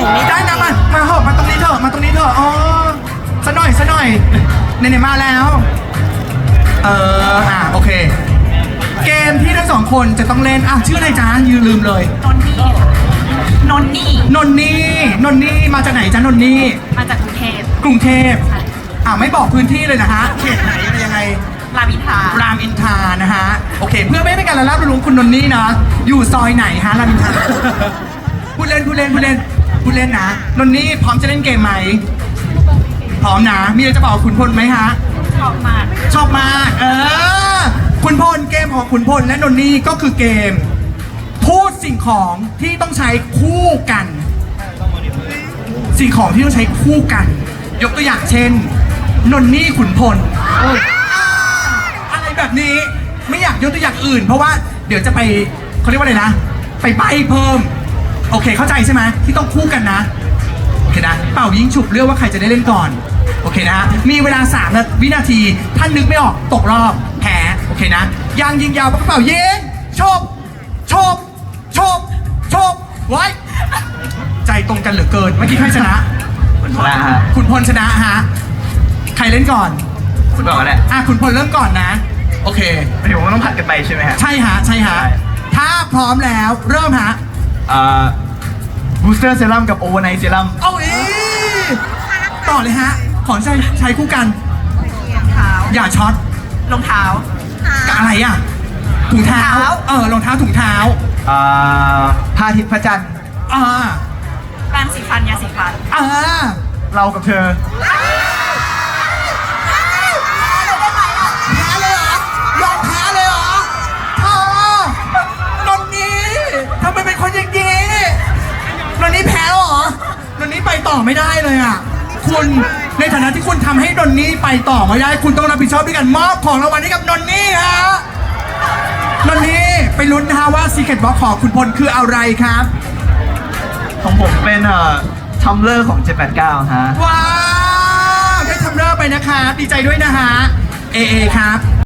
นี้ได้นะมาเหอะมาตรงนี้เถอะมาตรงนี้เถอะอ๋อซะหน่อยไหนๆมาแล้วโอเคเกมที่ทั้งสองคนจะต้องเล่นชื่ออะไรจ๊ะลืมเลยนนนี่มาจากไหนจ๊ะนนนี่มาจากกรุงเทพไม่บอกพื้นที่เลยนะฮะเขตไหนอะไรยังไงรามอินทรานะฮะโอเคเพื่อไม่ให้เป็นการละลาบละล้วงคุณนนนี่นะอยู่ซอยไหนฮะรามอินทราพูดเล่นนะนนนี่พร้อมจะเล่นเกมไหมพร้อมนะมีอะไรจะบอกคุณพลไหมฮะชอบมากคุณพลเกมของคุณพลและนนนี่ก็คือเกมพูดสิ่งของที่ต้องใช้คู่กันสิ่งของที่ต้องใช้คู่กันยกตัวอย่างเช่นนนนี่ขุนพลอะไรแบบนี้ไม่อยากยกตัวอย่างอื่นเพราะว่าเดี๋ยวจะไปเขาเรียกว่าอะไรนะไปใบเพิ่มโอเคเข้าใจใช่ไหมที่ต้องคู่กันนะโอเคนะเป่ายิงฉุบเลือกว่าใครจะได้เล่นก่อนโอเคนะมีเวลา3 วินาทีท่านนึกไม่ออกตกรอบแพ้โอเคนะยางยิงยาวปากกระเป๋ายิงชบไว้ใจตรงกันเหลือเกินเมื่อกี้ใครชนะคุณพลชนะฮะใครเล่นก่อนคุณบอกอะไรคุณพลเริ่มก่อนนะโอเคหมายถึงว่าต้องผัดกันไปใช่ไหมฮะใช่ฮะถ้าพร้อมแล้วเริ่มฮะบูสเตอร์เซรั่มกับโอเวอร์ไนท์เซรั่มต่อเลยฮะขอใช้คู่กันอย่าช็อตรองเท้ากับอะไรถุงเท้ารองเท้าถุงเท้าพระอาทิตย์พระจันทร์แปรงสีฟันยาสีฟันเรากับเธอแพ้เลยเหรอยอมแพ้เลยเหรอนนนี่ทำไมเป็นคนอย่างนี้นนนี่แพ้เหรอนนนี่ไปต่อไม่ได้เลยคุณในฐานะที่คุณทำให้นนนี่ไปต่อไม่ได้คุณต้องรับผิดชอบด้วยกันมอบของรางวัลให้กับนนนี่ฮะนนนี่ไปลุ้นนะฮะว่า Secret Box ของคุณพลคืออะไรครับของผมเป็นทัมเลอร์ของ789ฮะว้าวได้ทัมเลอร์ไปนะครับดีใจด้วยนะฮะเอครับ